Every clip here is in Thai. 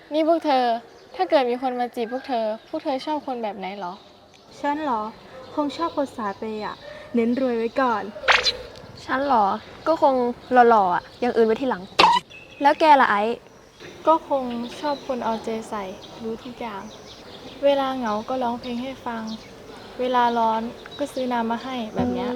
นี่พวกเธอ ถ้าเกิดมีคนมาจีบพวกเธอชอบคนแบบไหนเหรอฉันเหรอ คงชอบคนสายเปย์อะเน้นรวยไว้ก่อนฉันเหรอ ก็คงหล่อๆอ่ะอย่างอื่นไว้ทีหลัง แล้วแกล่ะไอ้ก็คงชอบคนเอาใจใส่รู้ทุกอย่าง เวลาเหงาก็ร้องเพลงให้ฟัง เวลาร้อนก็ซื้อน้ำมาให้แบบเนี้ย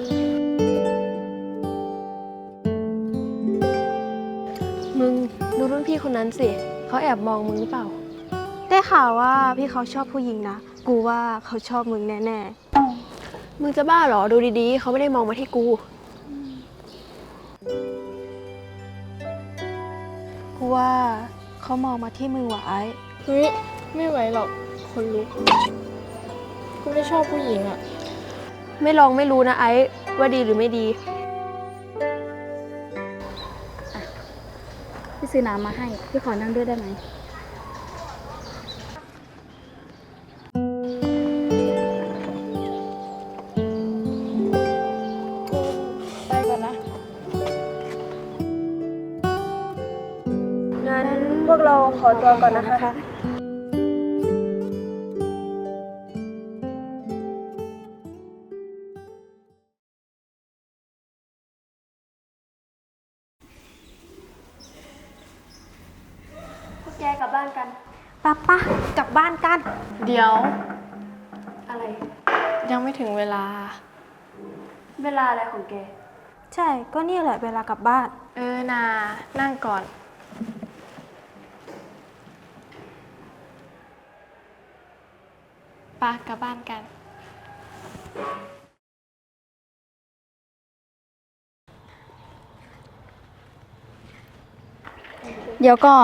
มึงดูรุ่นพี่คนนั้นสิ เขาแอบมองมึงหรือเปล่าได้ข่าวว่าพี่เขาชอบผู้หญิงนะ กูว่าเขาชอบมึงแน่มึงจะบ้าเหรอ ดูดีๆ เขาไม่ได้มองมาที่กูๆ กูว่าเขามองมาที่มึงว่ะไอ้เฮ้ย ไม่ไหวหรอก คนลุก กูไม่ชอบผู้หญิงอะไม่ลองไม่รู้นะไอ้ว่าดีหรือไม่ดีพี่ซื้อน้ำมาให้ พี่ขอนั่งด้วยได้ไหมกูไปก่อนนะงั้นพวกเราขอตัวก่อนนะคะ พวกแกกลับบ้านกันปะกลับบ้านกันเดี๋ยวอะไรยังไม่ถึงเวลาเวลาอะไรของแกใช่ ก็นี่แหละเวลากลับบ้านนานั่งก่อน ปะกลับบ้านกันเดี๋ยวก่อน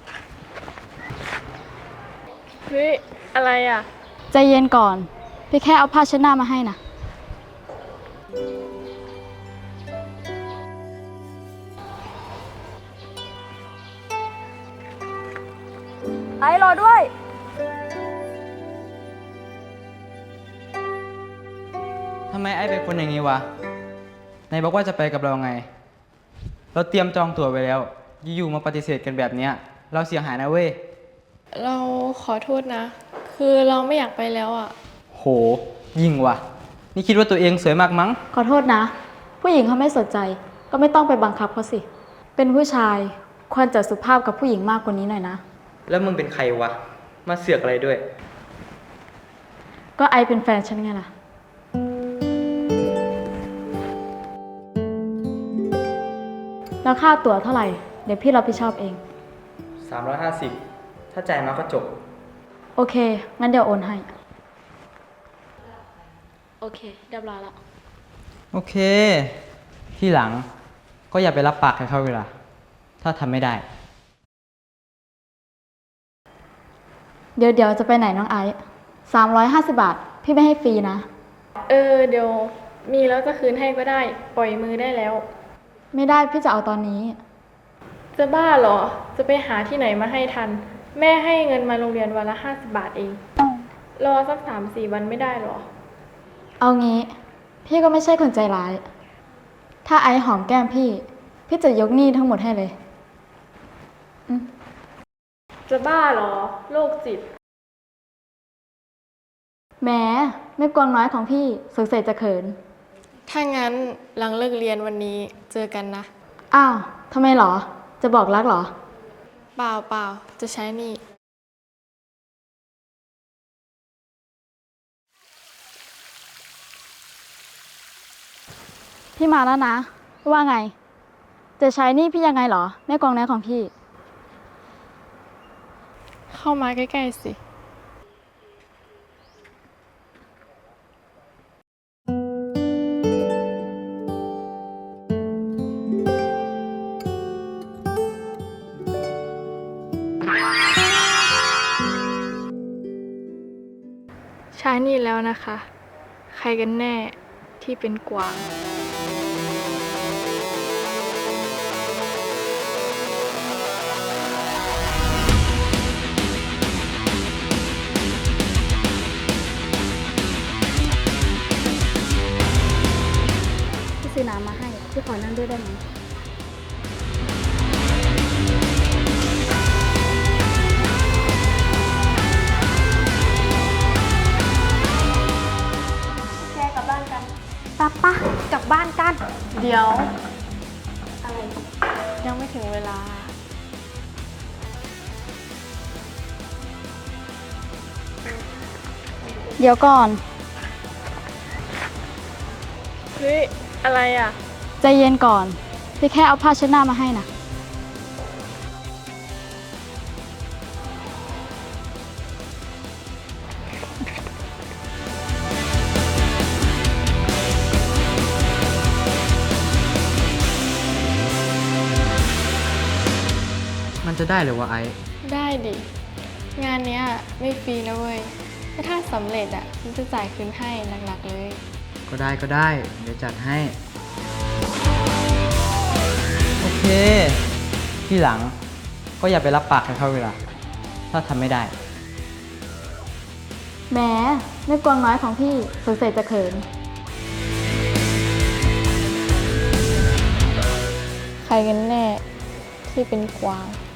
เฮ้ย อะไรอ่ะใจเย็นก่อน พี่แค่เอาผ้าเช็ดหน้ามาให้นะไอ้รอด้วยทำไมไอ้เป็นคนอย่างนี้วะไหนบอกว่าจะไปกับเราไง เราเตรียมจองตั๋วไว้แล้ว อยู่ๆมาปฏิเสธกันแบบเนี้ย เราเสียหายนะเว้ยเราขอโทษนะ คือเราไม่อยากไปแล้วอ่ะโห ยิงว่ะ นี่คิดว่าตัวเองสวยมากมั้งขอโทษนะ ผู้หญิงเขาไม่สนใจ ก็ไม่ต้องไปบังคับเขาสิ เป็นผู้ชายควรจะสุภาพกับผู้หญิงมากกว่านี้หน่อยนะแล้วมึงเป็นใครวะ มาเสือกอะไรด้วยก็ไอเป็นแฟนฉันไงล่ะ แล้วค่าตั๋วเท่าไหร่ เดี๋ยวพี่รับผิดชอบเอง 350 ถ้าจ่ายมาก็จบโอเค งั้นเดี๋ยวโอนให้ โอเค เรียบร้อยแล้วโอเค ที่หลังก็อย่าไปรับปากใครเขาเวลา ถ้าทำไม่ได้เดี๋ยวจะไปไหนน้องไอซ์350 บาท พี่ไม่ให้ฟรีนะเดี๋ยวมีแล้วจะคืนให้ก็ได้ ปล่อยมือได้แล้วไม่ได้พี่จะเอาตอนนี้จะบ้าเหรอ จะไปหาที่ไหนมาให้ทัน แม่ให้เงินมาโรงเรียนวันละ50 บาทเอง รอสัก3-4 วันไม่ได้เหรอเอางี้ พี่ก็ไม่ใช่คนใจร้าย ถ้าไอซ์หอมแก้มพี่ พี่จะยกหนี้ทั้งหมดให้เลยจะบ้าเหรอ โรคจิตแหมไม่กวางน้อยของพี่สงสัยจะเขินถ้างั้นหลังเลิกเรียนวันนี้เจอกันนะอ้าวทำไมหรอ จะบอกรักหรอเปล่า จะใช้หนี่พี่มาแล้วนะ ว่าไง จะใช้หนี่พี่ยังไงหรอแม่กวางน้อยของพี่เข้ามาใกล้ๆสิ ใช้หนี่แล้วนะคะ ใครกันแน่ที่เป็นกวางพี่ซื้อน้ำมาให้ พี่ขอนั่งด้วยได้ไหมดี๋ยว อะไร ยังไม่ถึงเวลาเดี๋ยวก่อนเฮ้ย อะไรอ่ะใจเย็นก่อน พี่แค่เอาผ้าเช็ดหน้ามาให้นะมันจะได้หรือวะไอ้ได้ดิ งานเนี้ยไม่ฟรีนะเว้ยถ้าสำเร็จอ่ะฉันจะจ่ายคืนให้หนักๆเลยก็ได้ก็ได้ เดี๋ยวจัดให้ โอเค ที่หลังก็อย่าไปรับปากให้เขาเวลา ถ้าทำไม่ได้แหมไม่กวางน้อยของพี่สงสัยจะเขินใครกันแน่ที่เป็นกวาง